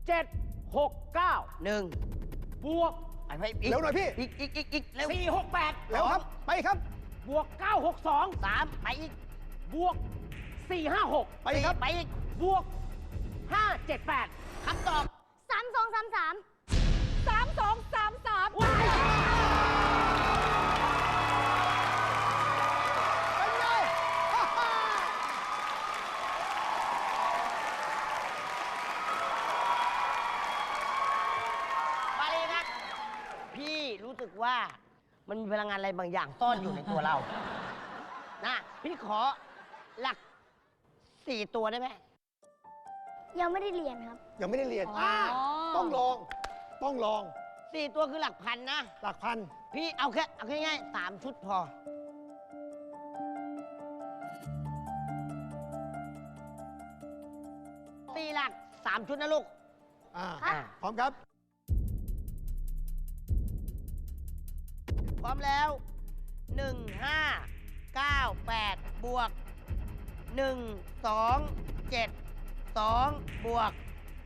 1บวกไปอีกเร็วหน่อยพี่อีกเร็ว 468 เร็วครับไปครับบวก962 3ไปอีกบวก456 ไปครับไปอีกบวก578 คำตอบ 3233 ว้ายเป็นไงมาเลยครับพี่รู้สึกว่ามันมีพลังงานอะไรบางอย่างซ่อนอยู่ในตัวเรานะพี่ขอหลัก4ตัวได้ไหมยังไม่ได้เรียนครับยังไม่ได้เรียน ต้องลอง 4ตัวคือหลักพันนะหลักพันพี่เอาง่ายๆ3ชุดพอ4หลัก3ชุดนะลูกพร้อมครับพร้อมแล้ว 1598 บวก 1272 บวก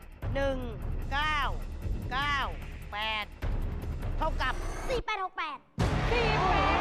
1998 เท่ากับ 4868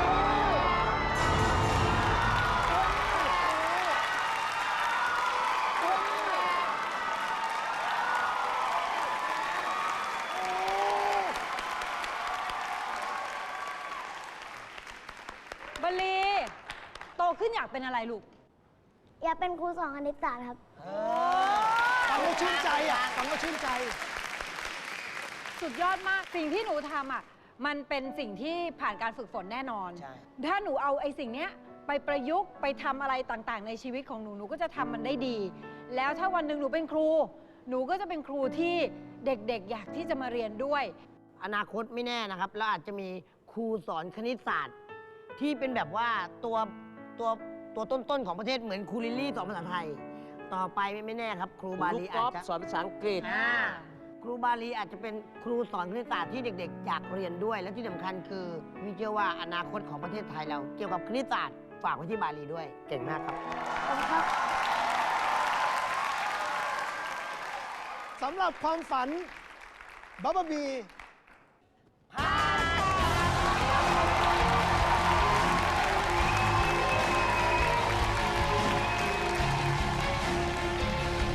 บลลีโตขึ้นอยากเป็นอะไรลูกอยากเป็นครูสอนคณิตศาสตร์ครับฟังแล้วชื่นใจฟังแล้วชื่นใจสุดยอดมากสิ่งที่หนูทำมันเป็นสิ่งที่ผ่านการฝึกฝนแน่นอนใช่ถ้าหนูเอาไอ้สิ่งเนี้ยไปประยุกต์ไปทำอะไรต่างๆ ในชีวิตของหนูหนูก็จะทำมันได้ดี แล้วถ้าวันหนึ่งหนูเป็นครู หนูก็จะเป็นครูที่เด็กๆอยากที่จะมาเรียนด้วยอนาคตไม่แน่นะครับแล้วอาจจะมีครูสอนคณิตศาสตร์ ที่เป็นแบบว่าตัวต้นๆของประเทศเหมือนครูลิลลี่สอนภาษาไทย ต่อไปไม่แน่ครับ ครูบาลีอาจจะสอนภาษาอังกฤษครูบาลีอาจจะเป็นครูสอนคณิตศาสตร์ที่เด็กๆอยากเรียนด้วย และที่สำคัญคือวิเชื่อว่าอนาคตของประเทศไทยเรา เกี่ยวกับคณิตศาสตร์ฝากไว้ที่บาลีด้วยเก่งมากครับขอบคุณครับสำหรับความฝันบับเบิ้ลบี